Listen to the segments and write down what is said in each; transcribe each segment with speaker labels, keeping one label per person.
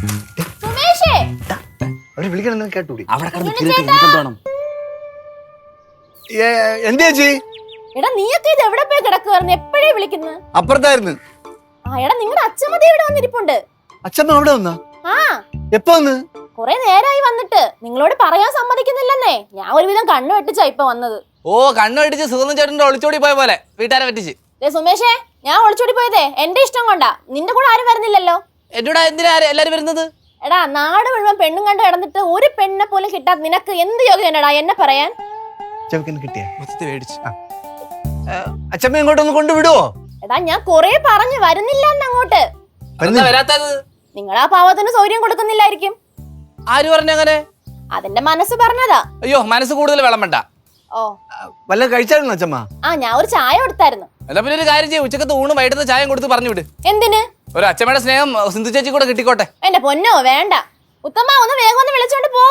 Speaker 1: സുമേഷേ
Speaker 2: അവര് വിളിക്കണമെന്ന് കേട്ടൂടി.
Speaker 3: അവിടെ കിടന്ന്
Speaker 2: എന്ത് ചേച്ചി?
Speaker 1: എടാ നീയൊക്കെ ഇത് എവിടെ പോയി കിടക്കുവായിരുന്നു? എപ്പോഴേ വിളിക്കുന്നത്?
Speaker 2: അപ്പുറത്തായിരുന്നു.
Speaker 1: ആ എടാ നിങ്ങളുടെ അച്ഛമ്മതി ഇവിടെ വന്നിരിപ്പുണ്ട്.
Speaker 2: അച്ഛമ്മ അവിടെ വന്നാ?
Speaker 1: ആ
Speaker 2: എപ്പോ വന്ന്?
Speaker 1: കൊറേ നേരായി വന്നിട്ട്. നിങ്ങളോട് പറയാൻ സമ്മതിക്കുന്നില്ലെന്നേ. ഞാൻ ഒരുവിധം കണ്ണു വെട്ടിച്ചാ ഇപ്പൊ വന്നത്.
Speaker 3: ഓ കണ്ണു വെട്ടിച്ച് സുഗന്ധം ചേട്ടന്റെ ഒളിച്ചോടി പോയ പോലെ വീട്ടുകാരെ പറ്റിച്ച്.
Speaker 1: സുമേഷേ ഞാൻ ഒളിച്ചോടി പോയതേ എന്റെ ഇഷ്ടം കൊണ്ടാ. നിന്റെ കൂടെ ആരും വരുന്നില്ലല്ലോ.
Speaker 3: എന്നോട് എന്തിനാ എല്ലാരും വരുന്നത്?
Speaker 1: എടാ നാട് മുഴുവൻ പെണ്ണും കണ്ട് കിടന്നിട്ട് ഒരു പെണ്ണിനെ പോലും കിട്ടാത്ത നിനക്ക് എന്ത് യോഗ്യതടാ എന്നെ പറയാൻ?
Speaker 2: കിട്ടിയ
Speaker 3: മൊത്തത്തിൽ മേടിച്ചു.
Speaker 2: അച്ഛമ്മ ഇങ്ങോട്ടൊന്ന് കൊണ്ടുവിടുവോ?
Speaker 1: എടാ ഞാൻ കൊറേ പറഞ്ഞു വരുന്നില്ല അങ്ങോട്ട്.
Speaker 3: വരാത്തത്
Speaker 1: നിങ്ങൾ ആ പാവത്തിന് സൗകര്യം കൊടുക്കുന്നില്ലായിരിക്കും.
Speaker 3: ആര് പറഞ്ഞങ്ങനെ?
Speaker 1: അതിന്റെ മനസ്സ് പറഞ്ഞതാ.
Speaker 3: അയ്യോ മനസ്സ് കൂടുതൽ വെള്ളം വേണ്ട.
Speaker 1: ഓ
Speaker 2: വല്ല കഴിച്ചായിരുന്നു അച്ഛമ്മ?
Speaker 1: ആ ഞാൻ ഒരു ചായ കൊടുത്തായിരുന്നു.
Speaker 3: എന്നാ പിന്നെ ഒരു കാര്യം ചെയ്യും, ഉച്ചക്കത്തെ ഊണ് വൈകിട്ടത്തെ ചായം കൊടുത്ത് പറഞ്ഞു വിട്.
Speaker 1: എന്തിന്?
Speaker 3: ഒരു അച്ഛമ്മയുടെ സ്നേഹം സിന്ധു ചേച്ചി കൂടെ കിട്ടിക്കോട്ടെ.
Speaker 1: എന്റെ പൊന്നോ വേണ്ട. ഉത്തമ ഒന്ന് വേഗം ഒന്ന് വിളിച്ചോണ്ട് പോ.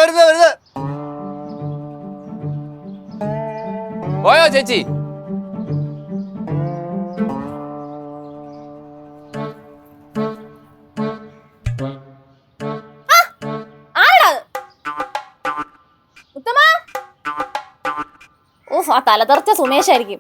Speaker 3: പോയോ ചേച്ചി?
Speaker 1: ഉത്തമ ഓഫ് ആ തലതെറിച്ച സുമേഷായിരിക്കും.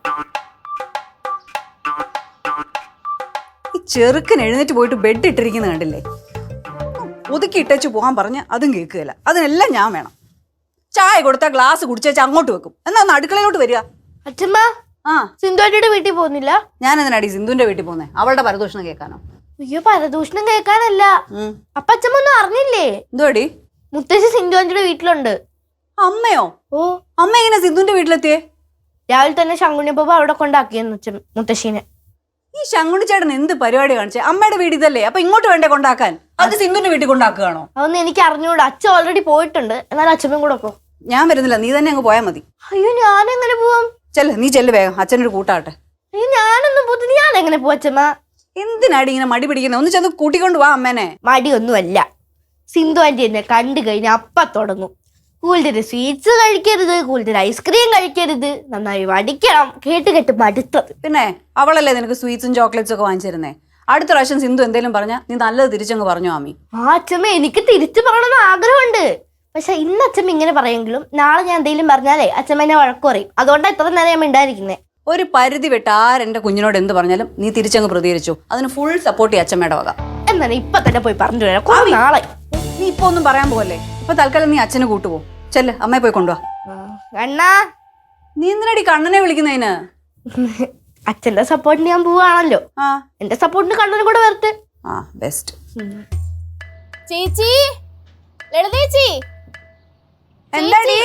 Speaker 4: ഈ ചെറുക്കൻ എഴുന്നേറ്റ് പോയിട്ട് ബെഡ് ഇട്ടിരിക്കുന്ന കണ്ടില്ലേ? ഒതുക്കി ഇട്ടേച്ച് പോകാൻ പറഞ്ഞ് അതും കേൾക്കുകയില്ല. അതിനെല്ലാം ഞാൻ വേണം. ചായ കൊടുത്താൽ ഗ്ലാസ് കുടിച്ചേച്ച് അങ്ങോട്ട് വെക്കും. എന്നാ ഒന്ന് അടുക്കളയിലോട്ട് വരിക.
Speaker 5: അച്ഛമ്മ
Speaker 4: ആ
Speaker 5: സിന്ധുവാറ്റിയുടെ വീട്ടിൽ പോകുന്നില്ല?
Speaker 4: ഞാൻ എന്തിനാടി സിന്ധുവിന്റെ വീട്ടിൽ പോകുന്നേ? അവളുടെ പരദൂഷണം കേൾക്കാനോ?
Speaker 5: അയ്യോ പരദൂഷണം കേൾക്കാനല്ല. അപ്പൊ അച്ഛമ്മ ഒന്നും അറിഞ്ഞില്ലേ?
Speaker 4: എന്തുവാടി?
Speaker 5: മുത്തശ്ശി സിന്ധുവാറ്റിയുടെ വീട്ടിലുണ്ട്.
Speaker 4: അമ്മയോ?
Speaker 5: ഓ
Speaker 4: അമ്മ എങ്ങനെ സിന്ധുവിന്റെ വീട്ടിലെത്തിയേ?
Speaker 5: രാവിലെ തന്നെ ശങ്കുണ്ണിയപ്പ അവിടെ കൊണ്ടാക്കിയെന്ന് മുത്തശ്ശീനെ.
Speaker 4: ഈ ശങ്കുണ്ണി ചേട്ടൻ എന്ത് പരിപാടി കാണിച്ചേ? അമ്മയുടെ വീട് ഇതല്ലേ, അപ്പൊ ഇങ്ങോട്ട് വേണ്ടേ കൊണ്ടാക്കാൻ? അത് സിന്ധുവിന്റെ വീട്ടിൽ കൊണ്ടാക്കുകയാണോ?
Speaker 5: അതൊന്നും എനിക്ക് അറിഞ്ഞൂടാ. അച്ഛൻ ഓൾറെഡി പോയിട്ടുണ്ട്. എന്നാൽ അച്ഛമ്മയും കൂടെ പോ.
Speaker 4: ഞാൻ വരുന്നില്ല, നീ തന്നെ അങ്ങ് പോയാൽ മതി.
Speaker 5: അയ്യോ ഞാനെങ്ങനെ പോവാം?
Speaker 4: നീ ചെല്ല് വേഗം, അച്ഛനൊരു കൂട്ടാട്ടെ.
Speaker 5: അയ്യോ ഞാനൊന്നും പോത്തിന്. ഞാൻ എങ്ങനെ പോവാ അച്ഛമ്മ?
Speaker 4: എന്തിനാടി ഇങ്ങനെ മടി പിടിക്കുന്നത്? ഒന്ന് ചെന്ന് കൂട്ടിക്കൊണ്ട് പോവാ അമ്മേനെ.
Speaker 5: മടിയൊന്നുമല്ല. സിന്ധു ആന്റി എന്നെ കണ്ടു കഴിഞ്ഞാൽ അപ്പ തുടങ്ങും. കൂടുതൽ സ്വീറ്റ്സ് കഴിക്കരുത്, കൂടുതൽ ഐസ്ക്രീം കഴിക്കരുത്, നന്നായി വടിക്കണം. കേട്ട് കേട്ട് മടുത്തത്.
Speaker 4: പിന്നെ അവളല്ലേ നിനക്ക് സ്വീറ്റ്സും ചോക്ലേറ്റ്സും ഒക്കെ വാങ്ങിച്ചിരുന്നേ? അടുത്ത പ്രാവശ്യം സിന്ധു എന്തെങ്കിലും പറഞ്ഞാൽ നീ നല്ലത് തിരിച്ചങ്ങ് പറഞ്ഞു ആമി.
Speaker 5: ആ അച്ഛമ്മ എനിക്ക് തിരിച്ചു പറയണമെന്ന് ആഗ്രഹമുണ്ട്. പക്ഷെ ഇന്ന് അച്ഛമ്മ ഇങ്ങനെ പറയെങ്കിലും നാളെ ഞാൻ എന്തെങ്കിലും പറഞ്ഞാലേ അച്ഛമ്മ എന്നെ വഴക്ക് പറയും. അതുകൊണ്ടാണ് ഇത്ര നേരം ഞാൻ മിണ്ടായിരിക്കുന്നേ.
Speaker 4: ഒരു പരിധി വിട്ട് ആരെന്റെ കുഞ്ഞിനോട് എന്ത് പറഞ്ഞാലും നീ തിരിച്ചങ്ങ് പ്രതികരിച്ചു. അതിന് ഫുൾ സപ്പോർട്ട് ഈ അച്ഛമ്മയുടെ വക.
Speaker 5: എന്നാണ് ഇപ്പൊ തന്നെ പോയി പറഞ്ഞു വരാം. നാളെ
Speaker 4: നീ ഇപ്പൊ ഒന്നും പറയാൻ പോകല്ലേ. ഇപ്പൊ തൽക്കാലം നീ അച്ഛനെ കൂട്ടുപോ. ചെല്ല്, അമ്മയെ പോയി കൊണ്ടുപോവാ.
Speaker 5: അണ്ണാ
Speaker 4: നീ എന്തിനാടി കണ്ണനെ വിളിക്കുന്നതിന്?
Speaker 5: അച്ഛന്റെ സപ്പോർട്ടിന് ഞാൻ പോവാണല്ലോ. എന്റെ സപ്പോർട്ടിന് കണ്ണനും കൂടെ വരട്ടെ.
Speaker 4: ബെസ്റ്റ്.
Speaker 1: ചേച്ചി, ലളിതേച്ചി.
Speaker 4: എന്താടി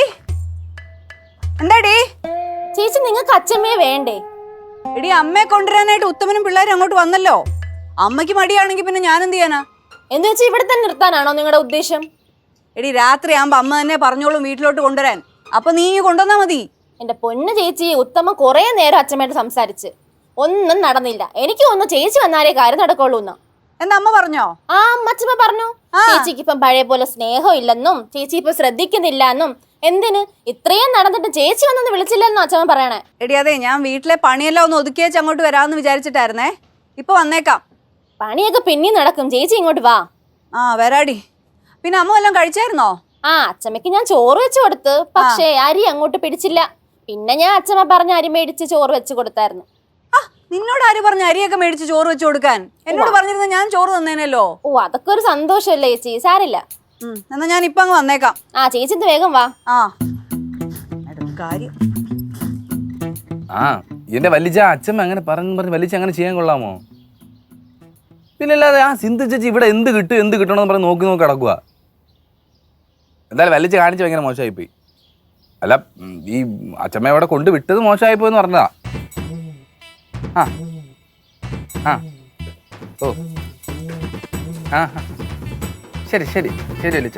Speaker 1: ചേച്ചി നിങ്ങൾക്ക് അച്ഛമ്മയെ വേണ്ടേ?
Speaker 4: എടി അമ്മയെ കൊണ്ടുവരാനായിട്ട് ഉത്തമനും പിള്ളേരും അങ്ങോട്ട് വന്നല്ലോ. അമ്മയ്ക്ക് മടിയാണെങ്കിൽ പിന്നെ ഞാൻ എന്ത് ചെയ്യാനാ?
Speaker 1: എന്ന് വെച്ചാൽ ഇവിടെ തന്നെ നിർത്താനാണോ നിങ്ങളുടെ ഉദ്ദേശം?
Speaker 4: എടി രാത്രി ആകുമ്പോ അമ്മ തന്നെ പറഞ്ഞോളും വീട്ടിലോട്ട് കൊണ്ടുവരാൻ. അപ്പൊ നീ കൊണ്ടുവന്നാ മതി.
Speaker 1: എന്റെ പൊന്ന് ചേച്ചി, ഉത്തമ കൊറേ നേരം അച്ഛമ്മയായിട്ട് സംസാരിച്ച് ഒന്നും നടന്നില്ല. എനിക്ക് ഒന്ന് ചേച്ചി വന്നാലേ കാര്യം നടക്കുള്ളൂ എന്നാ.
Speaker 4: എന്താ അമ്മ പറഞ്ഞോ?
Speaker 1: ആ അമ്മച്ചമ്മ പറഞ്ഞു. ചേച്ചിക്ക് ഇപ്പം പഴയ പോലെ സ്നേഹം ഇല്ലെന്നും ചേച്ചി ഇപ്പൊ ശ്രദ്ധിക്കുന്നില്ല എന്നും. എന്തിന് ഇത്രയും നടന്നിട്ട് ചേച്ചി വന്നൊന്ന് വിളിച്ചില്ലെന്നോ അച്ഛമ്മ പറയണേ?
Speaker 4: എടി അതെ, ഞാൻ വീട്ടിലെ പണിയെല്ലാം ഒന്ന് ഒതുക്കിയേച്ച് അങ്ങോട്ട് വരാമെന്ന് വിചാരിച്ചിട്ടായിരുന്നേ. ഇപ്പൊ വന്നേക്കാം.
Speaker 1: പണിയൊക്കെ പിന്നെയും നടക്കും. ചേച്ചി ഇങ്ങോട്ട് വാ.
Speaker 4: വരാടി. പിന്നെ അമ്മ വല്ലതും കഴിച്ചായിരുന്നോ?
Speaker 1: അച്ഛമ്മക്ക് ഞാൻ ചോറ് വെച്ച് കൊടുത്ത്. പക്ഷേ അരി അങ്ങോട്ട് പിടിച്ചില്ല. പിന്നെ ഞാൻ അച്ഛമ്മ പറഞ്ഞ അരി മേടിച്ച് ചോറ് വെച്ച് കൊടുത്തായിരുന്നു.
Speaker 4: നിന്നോട് ആര് പറഞ്ഞ അരിയൊക്കെ മേടിച്ച് ചോറ് വെച്ച് കൊടുക്കാൻ? എന്നോട് പറഞ്ഞിരുന്ന ഞാൻ ചോറ് തന്നേനല്ലോ.
Speaker 1: ഓ അതൊക്കെ ഒരു സന്തോഷമല്ലേ ചേച്ചി, സാരില്ല.
Speaker 4: എന്നാ ഞാൻ ഇപ്പൊ അങ്ങ് വന്നേക്കാം.
Speaker 1: ചേച്ചി ഇത് വേഗം വാ.
Speaker 4: കാര്യം
Speaker 3: എന്റെ വലിച്ച അച്ഛമ്മ അങ്ങനെ പറഞ്ഞ് വലിച്ച അങ്ങനെ ചെയ്യാൻ കൊള്ളാമോ? പിന്നെ അല്ലാതെ സിന്ധു ചേച്ചി ഇവിടെ എന്ത് കിട്ടണമെന്ന് പറഞ്ഞ് നോക്കി കിടക്കുക. എന്തായാലും വലിച്ച കാണിച്ച് ഭയങ്കര മോശമായിപ്പോയി. അല്ല ഈ അച്ഛമ്മ ഇവിടെ കൊണ്ട് വിട്ടത് മോശമായിപ്പോയെന്ന് പറഞ്ഞതാ. ഓ ശരി ശരി ശരി വലിച്ച.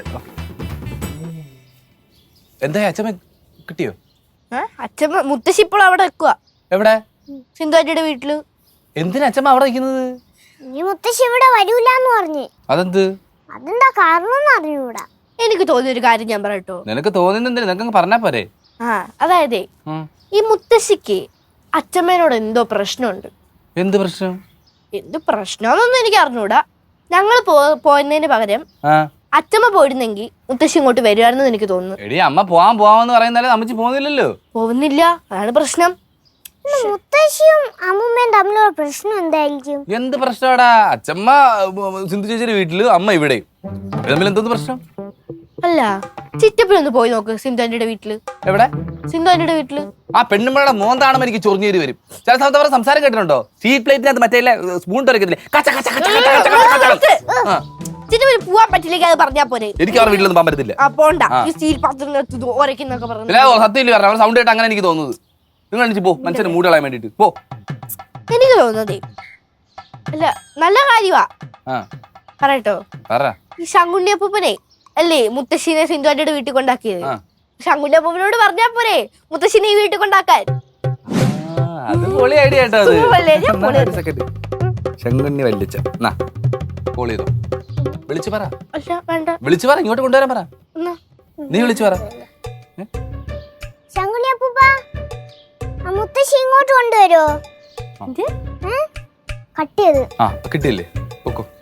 Speaker 3: എന്താ അച്ഛമ്മ കിട്ടിയോ?
Speaker 5: അച്ഛമ്മ മുത്തശ്ശി ഇപ്പോൾ അവിടെ വെക്കുക.
Speaker 3: എവിടെ?
Speaker 5: സിന്ധുവാറ്റിയുടെ വീട്ടില്.
Speaker 3: എന്തിനാ അച്ഛമ്മ അവിടെ നിൽക്കുന്നത്?
Speaker 6: ഈ മുത്തശ്ശി ഇവിടെ വരൂലെന്ന് പറഞ്ഞു.
Speaker 3: അതെന്ത്?
Speaker 6: അതെന്താ കാരണം അറിഞ്ഞൂടാ.
Speaker 5: എനിക്ക് തോന്നിയൊരു കാര്യം ഞാൻ പറയട്ടോ.
Speaker 3: നിനക്ക് തോന്നുന്നെന്തിനാ? നിനക്ക് പറഞ്ഞാ പോരെ.
Speaker 5: അതായത് ഈ മുത്തശ്ശിക്ക് അച്ഛമ്മേനോട് എന്തോ പ്രശ്നമുണ്ട്.
Speaker 3: എന്ത് പ്രശ്നം?
Speaker 5: എന്ത് പ്രശ്നമാണെന്നൊന്നും എനിക്ക് അറിഞ്ഞൂടാ. ഞങ്ങൾ പോയതിന് പകരം
Speaker 3: ആ
Speaker 5: അച്ഛമ്മ പോയിരുന്നെങ്കിൽ മുത്തശ്ശി ഇങ്ങോട്ട് വരുമായിരുന്നു എനിക്ക് തോന്നുന്നു.
Speaker 3: എടി അമ്മ പോവാന്ന് പറയുന്നാലേ അമ്മച്ചി പോകുന്നില്ലല്ലോ.
Speaker 5: പോകുന്നില്ല, അതാണ് പ്രശ്നം.
Speaker 6: മുത്തശ്ശിയും അമ്മൂമ്മയും തമ്മിലുള്ള പ്രശ്നം എന്തായിരിക്കും?
Speaker 3: എന്ത് പ്രശ്നമാടാ? അച്ഛമ്മ സിന്ധു ചേച്ചിയുടെ വീട്ടില്, അമ്മ ഇവിടെ, തമ്മിൽ എന്തൊന്ന് പ്രശ്നം?
Speaker 5: അല്ല, ചിറ്റപ്പിലൊന്ന് പോയി നോക്ക് സിന്ധു ആന്റിയുടെ വീട്ടില്.
Speaker 3: എവിടെ?
Speaker 5: സിന്ധു ആന്റിയുടെ വീട്ടില്.
Speaker 3: ആ പെണ്ണുമ്പഴയുടെ മോന്താണെന്ന് എനിക്ക് ചൊറിഞ്ഞേരി വരും. ചില സമയത്ത് അവരുടെ സംസാരം കേട്ടിട്ടുണ്ടോ? സ്റ്റീൽ പ്ലേറ്റിനകത്ത് മറ്റേ സ്പൂൺ തുറക്കത്തില്ലേ?
Speaker 5: ചിറ്റപ്പിന് പോവാൻ പറ്റില്ലെങ്കിൽ അത് പറഞ്ഞാ പോരെ.
Speaker 3: എനിക്ക് അവരുടെ വീട്ടിലൊന്നും പോകാൻ പറ്റത്തില്ല.
Speaker 5: ആ പോണ്ട, ഈ സ്റ്റീൽ പാത്രത്തിനകത്ത് ഓരക്കുന്നൊക്കെ പറഞ്ഞു.
Speaker 3: സത്യമില്ല പറഞ്ഞു, അവരുടെ സൗണ്ട് കേട്ട് അങ്ങനെ എനിക്ക് തോന്നുന്നത്. നിങ്ങൾ എണീച്ച് പോ, മനുഷ്യനെ മൂട് കളയാൻ വേണ്ടിട്ട് പോ.
Speaker 5: എനിക്ക് തോന്നുന്നതേ അല്ല, നല്ല കാര്യമാ.
Speaker 3: ആ
Speaker 5: പറയട്ടോ,
Speaker 3: പറ.
Speaker 5: ഈ ശങ്കുണ്ണിയപ്പൂപ്പനെ അല്ലേ മുത്തശ്ശീനെ സിന്ധു ആന്റിയുടെ വീട്ടിൽ കൊണ്ടാക്കിയത്. ശങ്കുണ്ണിയപ്പൂപ്പനോട് പറഞ്ഞാ പോരെ മുത്തശ്ശീനെ ഈ വീട്ടിൽ കൊണ്ടാക്കാൻ.
Speaker 3: അത് പൊളി ഐഡിയ കേട്ടോ. അത്
Speaker 5: സുഖമല്ലേ? ഞാൻ പൊളി
Speaker 3: ഒരു സെക്കൻഡ്. ശങ്കുണ്ണി വല്ലിച്ച കോൾ ചെയ്തോ, വിളിച്ചു പറ.
Speaker 5: അല്ല വേണ്ട,
Speaker 3: വിളിച്ചു പറ, ഇങ്ങോട്ട് കൊണ്ടുവരാൻ പറ.
Speaker 5: എന്നാ
Speaker 3: നീ വിളിച്ചു പറ.
Speaker 6: ശങ്കുണ്ണിയപ്പൂപ്പ, ആ മുത്തശ്ശി ഇങ്ങോട്ട് കൊണ്ടുവരുമോ? കട്ട് ചെയ്ത്
Speaker 3: ആ കിട്ടിയില്ലേ? പൊക്കോ.